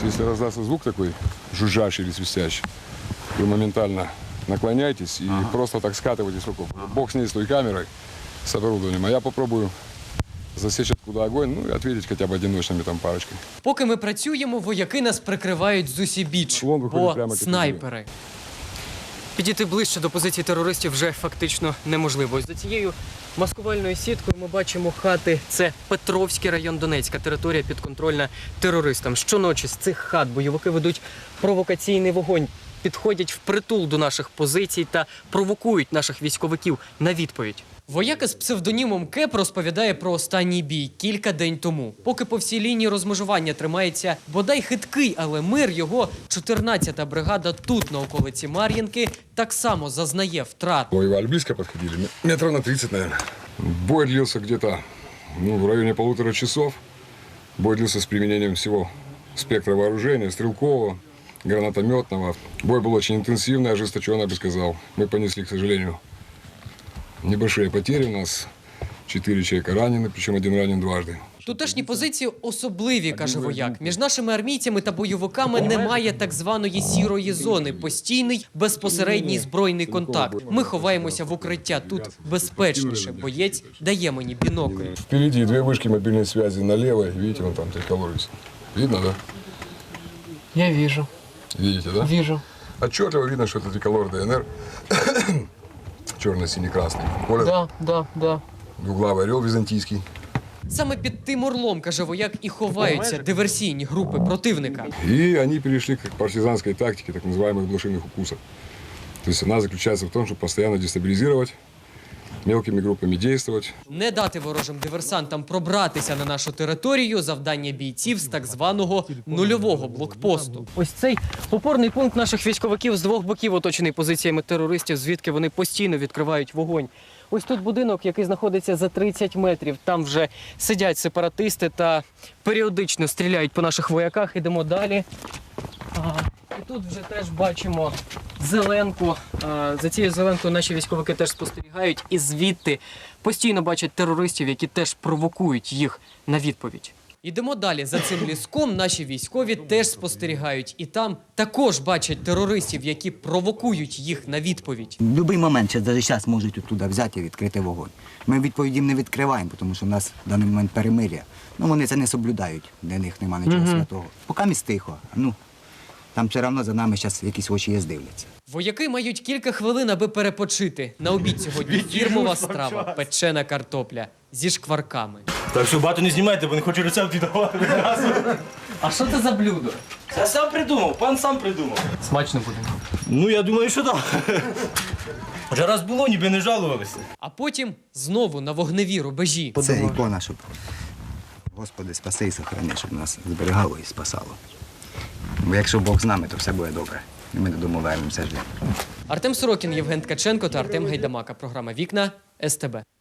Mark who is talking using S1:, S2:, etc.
S1: если раздастся звук такой, жужжащий или свистящий, вы моментально наклоняйтесь и просто так скатываетесь в окоп. Бог с ней, с той камерой, с оборудованием. А я попробую засечь, откуда огонь, ну и ответить хотя бы одиночными там парочкой.
S2: Поки ми працюємо, вояки нас прикривають з усібіч,
S1: Вон виходить
S2: бо
S1: прямо під
S2: снайпери. Підійти ближче до позицій терористів вже фактично неможливо. Ось за цією маскувальною сіткою ми бачимо хати. Це Петровський район Донецька, територія підконтрольна терористам. Щоночі з цих хат бойовики ведуть провокаційний вогонь, підходять впритул до наших позицій та провокують наших військовиків на відповідь. Вояка з псевдонімом Кеп розповідає про останній бій кілька день тому. Поки по всій лінії розмежування тримається бодай хиткий, але мир, його 14-та бригада тут, на околиці Мар'їнки, так само зазнає втрат.
S1: Воевали близко подходили, метров на 30, наверное. Бой длился где-то в районе 1,5 часов. Бой длился с применением всего спектра вооружения, стрелкового, гранатометного. Бой был очень интенсивный, ожесточенный, я бы сказал. Мы понесли, к сожалению, небольшие потери. У нас 4 человека ранены, причем один ранен дважды.
S2: Тутешні позиції особливі, каже вояк. Між нашими армійцями та бойовиками немає так званої сірої зони. Постійний, безпосередній збройний контакт. Ми ховаємося в укриття. Тут безпечніше. Боєць дає мені бінокль.
S1: Впереди 2 вышки мобильной связи налево. Видите, вон там триколор висит. Видно, да?
S2: Я вижу.
S1: Видите, да?
S2: Вижу.
S1: Отчетливо видно, что это триколор ДНР. Черно-синий-красный. Понял?
S2: Да.
S1: Двуглавый орел византийский.
S2: Саме під тим орлом, каже вояк, і ховаються диверсійні групи противника.
S1: И они перешли к партизанской тактике, так называемых блошиных укусов. То есть она заключается в том, чтобы постоянно дестабилизировать, мелкими группами действовать.
S2: Не дати ворожим диверсантам пробратися на нашу територію – завдання бійців з так званого нульового блокпосту. Ось цей опорний пункт наших військовиків з двох боків оточений позиціями терористів, звідки вони постійно відкривають вогонь. Ось тут будинок, який знаходиться за 30 метрів. Там вже сидять сепаратисти та періодично стріляють по наших вояках. Ідемо далі. І тут вже теж бачимо зеленку. За цією зеленкою наші військовики теж спостерігають і звідти постійно бачать терористів, які теж провокують їх на відповідь. Ідемо далі. За цим ліском наші військові теж спостерігають. І там також бачать терористів, які провокують їх на відповідь.
S3: В будь-який момент, навіть зараз можуть туди взяти і відкрити вогонь. Ми відповідь їм не відкриваємо, тому що в нас в даний момент перемир'я. Ну, вони це не соблюдають, для них немає нічого святого. Поки міст тихо, там все одно за нами зараз якісь очі є, дивляться.
S2: Вояки мають кілька хвилин, аби перепочити. На обід сьогодні фірмова страва – печена картопля зі шкварками.
S4: Так що багато не знімайте, бо не хочу рецепт віддавати.
S2: А що це за блюдо?
S4: Я сам придумав, пан сам придумав.
S2: Смачно буде.
S4: Ну, я думаю, що так. Вже раз було, ніби не жалувалися.
S2: А потім знову на вогневі рубежі.
S3: Це ікона, щоб Господи спаси і сохрани, щоб нас зберігало і спасало. Бо якщо Бог з нами, то все буде добре. І ми додому вернемося.
S2: Артем Сорокін, Євген Ткаченко та Артем Гайдамака. Програма «Вікна» СТБ.